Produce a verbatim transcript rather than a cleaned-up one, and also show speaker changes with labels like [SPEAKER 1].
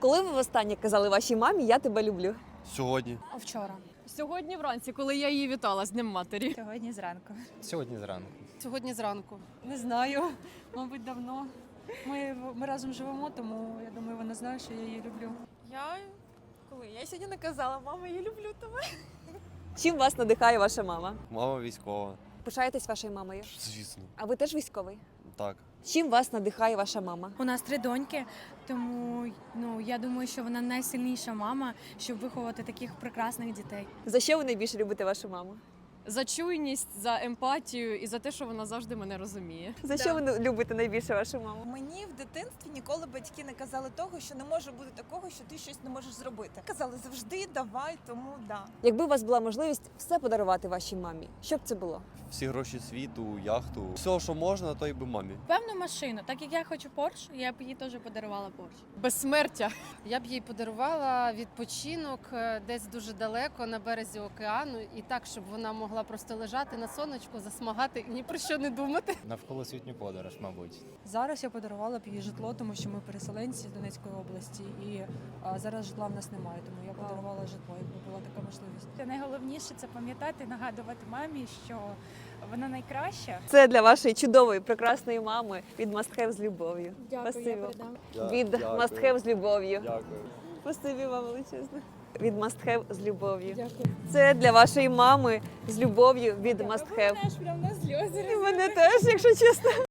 [SPEAKER 1] Коли ви востаннє казали вашій мамі «я тебе люблю»?
[SPEAKER 2] Сьогодні.
[SPEAKER 3] А вчора?
[SPEAKER 4] Сьогодні вранці, коли я її вітала з Днем матері.
[SPEAKER 3] Сьогодні зранку.
[SPEAKER 5] Сьогодні зранку.
[SPEAKER 6] Сьогодні зранку.
[SPEAKER 3] Не знаю, мабуть, давно. Ми, ми разом живемо, тому я думаю, вона знає, що я її люблю.
[SPEAKER 7] Я коли я сьогодні не казала, мама, я люблю тебе.
[SPEAKER 1] Чим вас надихає ваша мама?
[SPEAKER 2] Мама військова.
[SPEAKER 1] Пишаєтесь вашою мамою?
[SPEAKER 2] Звісно.
[SPEAKER 1] А ви теж військовий?
[SPEAKER 2] Так.
[SPEAKER 1] Чим вас надихає ваша мама?
[SPEAKER 8] У нас три доньки, тому ну я думаю, що вона найсильніша мама, щоб виховати таких прекрасних дітей.
[SPEAKER 1] За що ви найбільше любите вашу маму?
[SPEAKER 4] За чуйність, за емпатію і за те, що вона завжди мене розуміє.
[SPEAKER 1] За що ви любите найбільше вашу маму?
[SPEAKER 7] Мені в дитинстві ніколи батьки не казали того, що не може бути такого, що ти щось не можеш зробити. Казали завжди давай, тому да.
[SPEAKER 1] Якби у вас була можливість все подарувати вашій мамі, що б це було?
[SPEAKER 2] Всі гроші світу, яхту. Все, що можна, то й би мамі.
[SPEAKER 8] Певну машину, так як я хочу Порш, я б їй теж подарувала Порш.
[SPEAKER 4] Безсмертя.
[SPEAKER 6] Я б їй подарувала відпочинок е, десь дуже далеко на березі океану, і так, щоб вона могла просто лежати на сонечку, засмагати і ні про що не думати.
[SPEAKER 5] Навколосвітню подорож, мабуть.
[SPEAKER 3] Зараз я подарувала б їй житло, тому що ми переселенці з Донецької області, і а, зараз житла в нас немає, тому я подарувала житло, якби була така можливість.
[SPEAKER 9] Найголовніше це пам'ятати, нагадувати мамі, що вона найкраща.
[SPEAKER 1] Це для вашої чудової, прекрасної мами від Must Have з любов'ю.
[SPEAKER 8] Дякую,
[SPEAKER 1] Спасибі
[SPEAKER 8] я
[SPEAKER 1] вам.
[SPEAKER 8] передам.
[SPEAKER 1] Від Must Have з любов'ю.
[SPEAKER 2] Дякую.
[SPEAKER 1] Спасибі вам величезне. Від Must Have з любов'ю.
[SPEAKER 8] Дякую.
[SPEAKER 1] Це для вашої мами з любов'ю від Must Have.
[SPEAKER 9] Аж прям на сльози.
[SPEAKER 1] І мене теж, якщо чесно.